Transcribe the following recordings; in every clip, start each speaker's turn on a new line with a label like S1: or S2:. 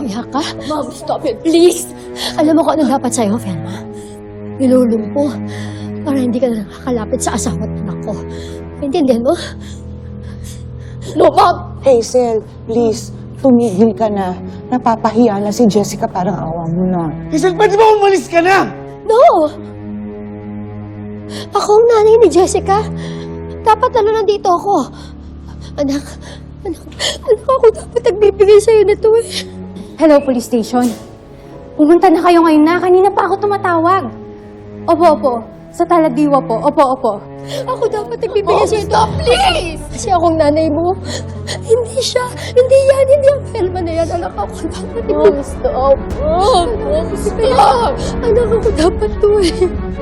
S1: umiyak ka?
S2: Mom, stop it, please!
S1: Alam mo kung ano dapat sa'yo, Velma? Nilulumpo para hindi ka na nakakalapit sa asawa at anak ko. Intindihan mo?
S2: No, Mom!
S3: Hazel, please, tumigil ka na. Napapahiya na si Jessica, parang awa mo na.
S4: Hazel, pwede ba umalis ka na?
S1: No! Ako ang nanay ni Jessica. Dapat nandito ako. Anak, ako dapat nagbibigay sa'yo nito eh.
S5: Hello, police station. Pumunta na kayo ngayon na. Kanina pa ako tumatawag. Opo. Sa Talagdiwa po. Opo.
S1: Ako dapat nagbibigay sa'yo ito.
S2: Stop, please!
S1: Kasi akong nanay mo. Hindi siya. Hindi ang Velma na yan. Anak ako dapat.
S2: Mom, stop! Mom, stop!
S1: Anak ako dapat to eh.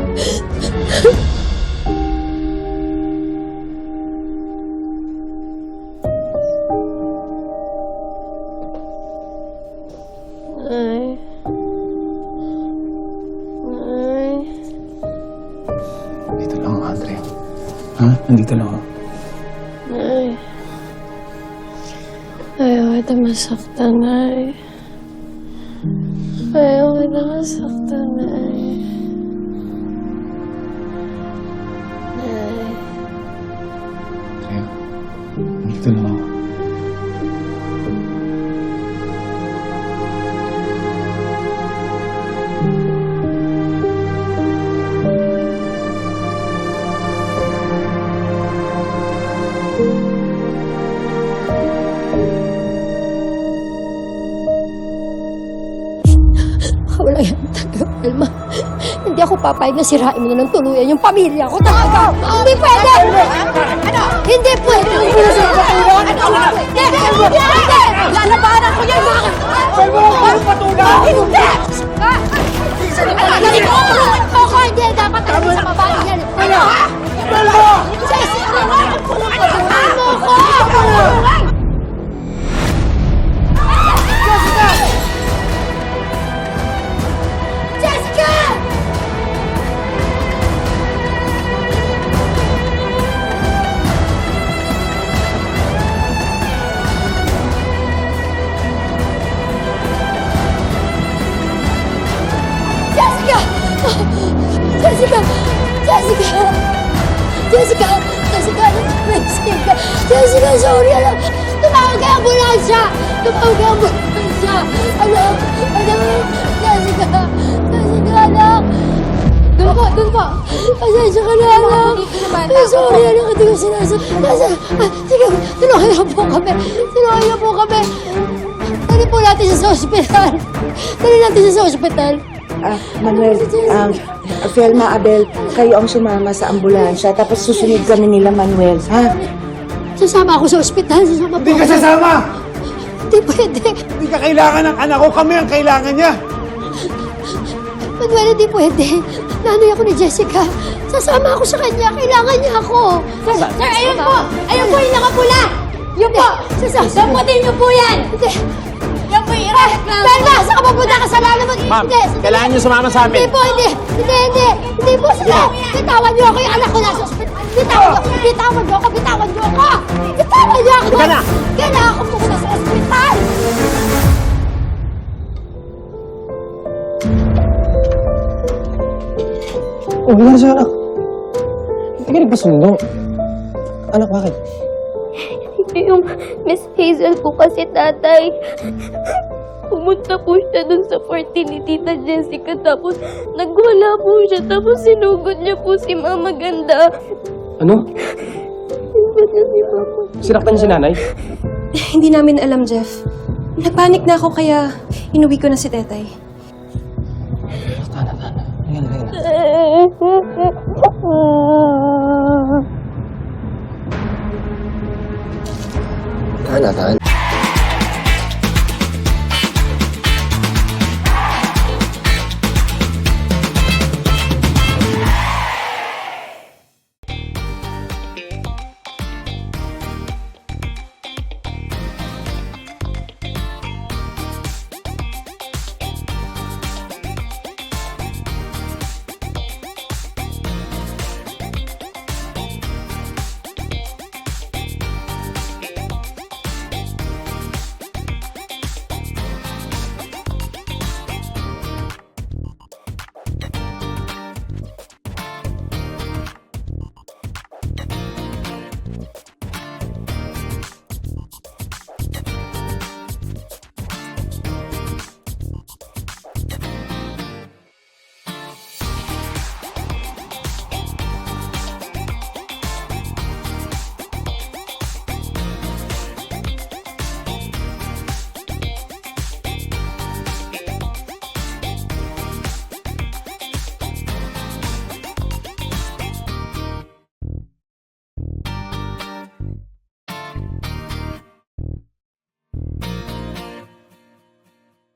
S4: Dito lang ako, Andre. Ha? Nandito lang ako.
S6: Nay. Ayaw kita masaktan, Nay. Ayaw kita masaktan, Nay. Nay.
S4: Kaya, nandito lang ako.
S1: Wala yan talaga, Velma. Hindi ako papayag na sirain mo na ng tuluyan yung pamilya ko talaga. Hindi pwede!
S2: Ano?
S1: Hindi pwede! Hindi!
S2: Lalabanan ko yan, mga...
S4: Pwede mo ako patulang!
S2: Hindi!
S1: Hindi ko kulungan mo ko! Hindi! Dapat talaga sa babae yan. Ano?
S4: Velma!
S1: Jessica! Kulungan mo ko! Jessica! Jessica! Jessica! Jessica! Jessica! Jessica! Jessica! Jessica! Sorry! Alam! Tumawag kay ambulansya! Tumawag kay ambulansya! Alam! Jessica! Jessica! Alam! Doon po! Pasensya ka na, alam! Sorry! Alam! Hindi ko sinasabi! Sige! Tulungan niyo po kami! Tulungan niyo po kami! Dali po natin siya sa ospital! Dali natin siya sa ospital!
S3: Manuel, Velma, Abel, kayo ang sumama sa ambulansya, tapos susunod kami nila, Manuel, ha?
S1: Sasama ako sa ospital! Sasama po
S4: Hindi ka
S1: ako.
S4: sasama!
S1: Hindi pwede!
S4: Hindi ka kailangan ng anak ko. Kami ang kailangan niya.
S1: Manuel, hindi pwede. Nanay ako ni Jessica. Sasama ako sa kanya. Kailangan niya ako.
S2: Sir, ayun po! Ayun po yung nakapula! Yun po! Damputin niyo po yan!
S1: Hindi.
S2: Yan po yung irareklamo!
S1: Velma, saan ka pupunta ka sa lalo mo?
S7: Ma'am, kailangan niyo sumama sa amin.
S1: Hindi po, hindi. Hindi po sila. Bitawan niyo ako. Yung anak ko nasa ospital. Bitawan niyo ako. Bitawan niyo ako.
S7: Ika na.
S1: Kailangan ko pumunta sa ospital.
S7: Oh, wala siya, anak. Hindi ka nagpasundo. Anak, bakit?
S6: Yung Miss Hazel po kasi, tatay. Pumunta po siya dun sa party ni Tita Jessica, tapos nagwala po siya, tapos sinugod niya po si Mama Ganda.
S7: Ano?
S6: Sinugod niya si Mama.
S7: Sinaktan niya si nanay?
S8: Hindi namin alam, Jeff. Nagpanik na ako kaya inuwi ko na si Tetay.
S7: Tana. Ayan. Tana.